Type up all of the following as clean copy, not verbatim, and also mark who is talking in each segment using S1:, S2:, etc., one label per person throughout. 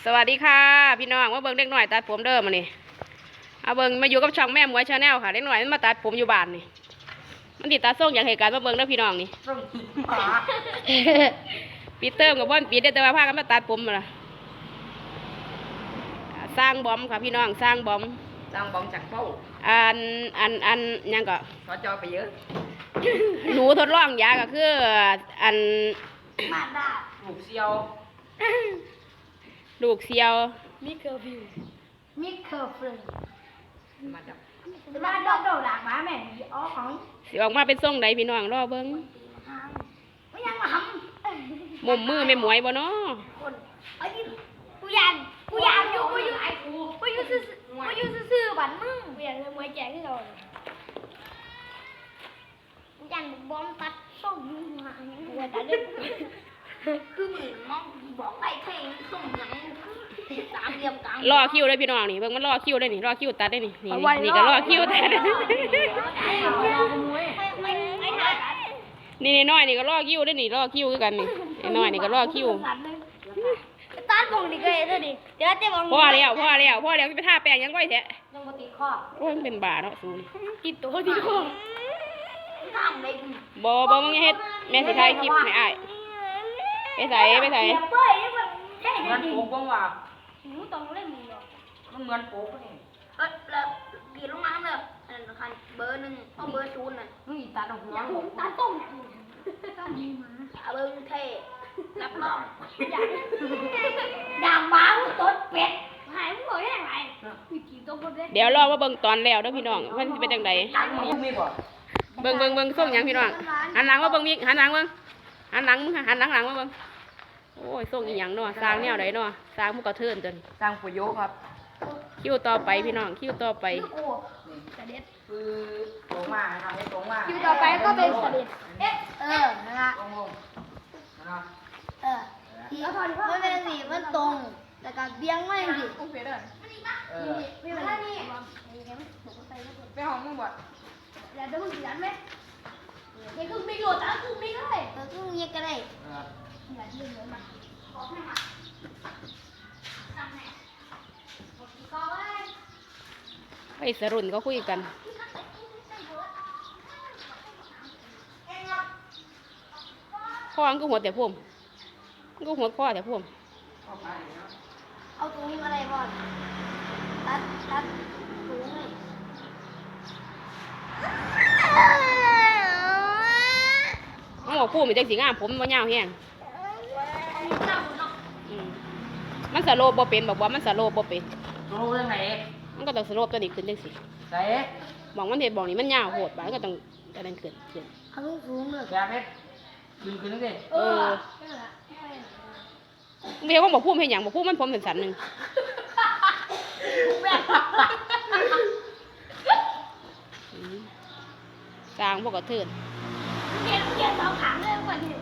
S1: สวัสดีค่ะพี่น้องมาเบิ่งเด็กหน่อยตัดผมเด้อมานี่เอาเบิ่งมาอยู่กับช่องแม่หมวยชาแนลค่ะเด็กหน่อยมันมาตัดผมอยู่บ้านนี่มันติดตาส่งอย่างเหตุการณ์มาเบิ่งเด้อพี่น้องนี่
S2: ส่งหมา
S1: ปีเติมกับบ่อนปีได้แต่ว่าพากันมาตัดผมมาล่ะสร้างบอมค่ะพี่น้องสร้างบอม
S2: จังบองจังเป้า
S1: อันยังก็
S2: ขอจอไปเยอะ
S1: หนูทดลองยาก็คืออัน
S2: มาดาลูกเซียว
S1: ลูกเสียว
S3: มิเคอร์ฟิวมิเคอร์ฟิว
S2: มาจับ
S3: มาดอกหลากมาแม่อ๋อของ
S1: สิออกมาเป็นทรงใดพี่น้องรอเบิ่ง
S3: ไม่ยังมาท
S1: มุมมือแม่หมวยบ่เนาะ
S3: ำคนไอ้ที่กูยันอยู่กูอยู่ซื่อบันมึงกูยันเลยมวยแจกที่เรากูยันบอมตัดส่งมึงมากูยันตัดเลยคือมึงน้องบอกไอ้เพลงส่งยังสามเหลี่ยมกลาง
S1: รอคิวเลยพี่น้องนี่เบิ่งมันรอคิวได้นี่รอคิวตัดได้นี่นี่ก็รอคิวตัด
S3: ไม่ทัน
S1: นี่น้อยนี่ก็รอคิวได้นี่รอคิวคือกันนี่ไอ้น้อยนี่ก็รอคิว
S3: ตัดมองดิเกยเท่าดิเดี๋ยวจะมอง
S1: พ่อแล้วไปทาแป้งยังก้อยแท้
S3: ยังปกติข้อ
S1: โอ้ยมันเป็นบาเนาะสูนี่
S3: ติดตัวที่ข้อทำได้
S1: บ่มึงอย่าเฮ็ดแม่สิถ่ายคลิปให้อ้ายไปใส่
S3: เป้ยนี่มันใช่
S2: เหมือน
S3: จริง
S2: โป๊กบ้างว่ะ
S3: หนูต้องเล่นมือหรอ
S2: มันเหมือนโป๊กนี่
S3: แล้วกีลงมาเลยอันคันเบอร์หนึ่งเอาเบอร์ศูนย์น่ะ
S2: นี่ตาดอกหัว
S3: ผมตาต้มต้องมีมาเบอร์เท่รับรองด่างบ้าต้นเป็ดหายมึงบอกได้ยังไงมีกี่ตัวคนเด้
S1: เดี๋ยวรอมาเบิ่งตอนแล้วเด้อพี่น้องมันสิเป็นจังได
S2: นี่มีบ่
S1: เบิ่งส่งหยังพี่น้องหันหลังมาเบิ่งมีหันหลังเบิ่งหันหลังมึงหันหลังมาเบิ่งโอ้ยส่งอีหยังเนาะสร้างแนวใดเนาะสร้างมุกกระเทินจน
S2: จังปุโยครับ
S1: คิวต่อไปพี่น้องคิวต่อไป
S3: โอ้กระเด็ด
S2: คือตรงมาทำให้ตรงมา
S3: คิวต่อไปก็เป็นกระเด็ดนะฮะ
S2: ตรงลงนะ
S3: มันเป็นสีมันตรงแต่การเบี้ยงไม่ดิ
S2: เออ
S3: ไม่เป็นไรนี่
S2: ไปห้องมึงบ่
S3: แล้วเดี๋ยวมึงสีนั้นไหมยังคือไม่โหลดอ่ะคือไม่ได้คือเงียบกันเลย
S2: เออ
S3: อย่าเชื่อเหมือนมันทำไงก็ไว้
S1: ไปสรุ่นก็คุยกันพ่อมันก็หัวแต่พุ่มมันก็หัวพ่อแต่พุ่ม
S2: เข้าไปเนาะ
S3: เอาตรงนี้มาเลยบอลตัดตรงนี้
S1: มันบอกพุ่มมันจังสีงามผมมันยาวแห้งอืมมันสโลปบ่เป็นบอกว่ามันสโลปบ่เป็น
S2: รู้เรื่องไหน
S1: มันก็ต้องสโลปตัวนี้ขึ้นจังสิ
S2: ใส่
S1: บอกมันเห็นบอกนี่มันยาวโหดไปมันก็ต้องจะนั่นขึ้น
S3: เอาลูกสูงเลย
S2: แบบนี้ขึ้นนั่นสิ
S1: เออเมียเขาบอกพุ่มให้หยังบอกพุ่มมันผมสันๆหนึ่งอืมกลางพวกกระเทิน
S3: เกียร์สองขังเลยกว่านี้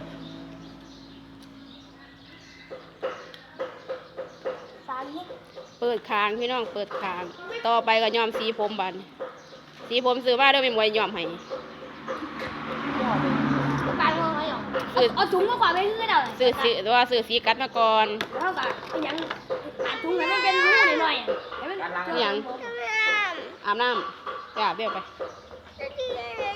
S3: สามนิด
S1: เปิดคางพี่น้องเปิดคาง ต่อไปก็ย้อมสีผมบัดนสีผมซื้อมาเด้อไม่มวยย้อมให้
S3: การงอไหมหรอเอาถุงมากกว่าไม่ขึ้นเอา
S1: ซื้อสีว่าซื้อสีกัดมาก่อน
S3: เท่ากับยังหาถุงให้มันเป็นรูหน่อยๆให้มัน
S1: อาบน้ำไปอาบเดี๋ยวไป